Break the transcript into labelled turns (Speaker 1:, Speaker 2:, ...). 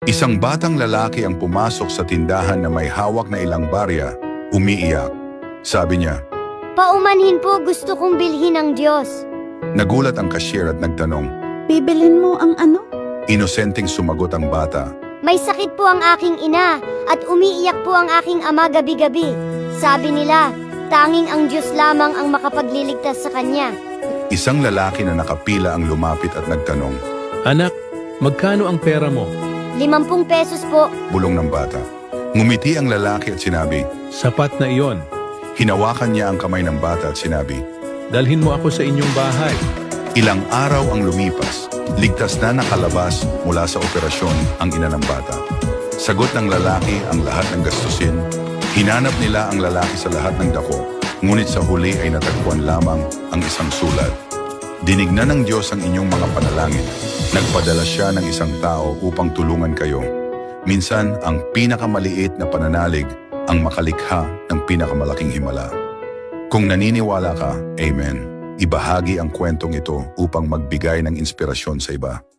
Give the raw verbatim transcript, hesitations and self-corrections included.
Speaker 1: Isang batang lalaki ang pumasok sa tindahan na may hawak na ilang barya, umiiyak. Sabi niya,
Speaker 2: Paumanhin po, gusto kong bilhin ng Diyos.
Speaker 1: nagulat ang cashier at nagtanong.
Speaker 3: Bibilin mo ang ano?
Speaker 1: Inosenteng sumagot ang bata.
Speaker 2: May sakit po ang aking ina at umiiyak po ang aking ama gabi-gabi. Sabi nila, tanging ang Diyos lamang ang makapagliligtas sa kanya.
Speaker 1: Isang lalaki na nakapila ang lumapit at nagtanong.
Speaker 4: Anak, magkano ang pera mo?
Speaker 2: Limampung pesos po.
Speaker 1: Bulong ng bata. Ngumiti ang lalaki at sinabi.
Speaker 4: Sapat na iyon.
Speaker 1: Hinawakan niya ang kamay ng bata at sinabi.
Speaker 4: Dalhin mo ako sa inyong bahay.
Speaker 1: Ilang araw ang lumipas. Ligtas na nakalabas mula sa operasyon ang ina ng bata. Sagot ng lalaki ang lahat ng gastusin. Hinanap nila ang lalaki sa lahat ng dako. Ngunit sa huli ay natagpuan lamang ang isang sulat. Dinignan ng Diyos ang inyong mga panalangin. Nagpadala siya ng isang tao upang tulungan kayo. Minsan, ang pinakamaliit na pananalig ang makalikha ng pinakamalaking himala. Kung naniniwala ka, Amen. Ibahagi ang kwentong ito upang magbigay ng inspirasyon sa iba.